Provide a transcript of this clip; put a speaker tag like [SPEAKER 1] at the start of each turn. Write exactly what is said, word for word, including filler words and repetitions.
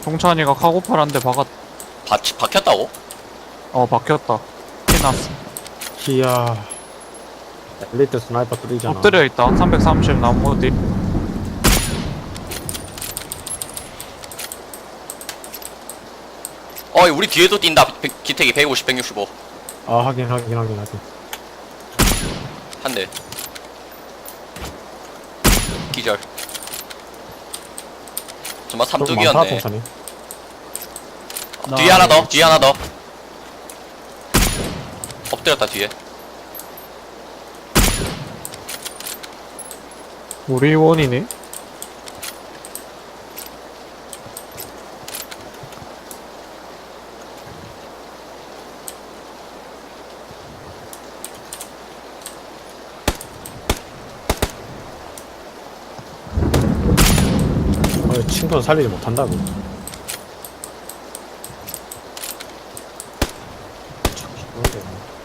[SPEAKER 1] 동찬이가 카고팔 한 대 박았.
[SPEAKER 2] 바, 박혔다고?
[SPEAKER 1] 어 박혔다. 피났어.
[SPEAKER 3] 이야. 엘리트 스나이퍼 뚫리잖아.
[SPEAKER 1] 엎드려 있다. 삼백삼십 나무 뒤.
[SPEAKER 2] 어 우리 뒤에도 뛴다. 백, 기택이 백오십, 백육십오.
[SPEAKER 3] 아, 확인, 확인, 확인, 확인.
[SPEAKER 2] 한 대. 기절. 정말
[SPEAKER 3] 좀 많다,
[SPEAKER 2] 삼뚝이었네.
[SPEAKER 3] 동산이.
[SPEAKER 2] 뒤에 하나 더, 뒤에 하나 더. 엎드렸다 뒤에.
[SPEAKER 1] 우리 원이네.
[SPEAKER 3] 어, 친구는 살리지 못한다고. 참,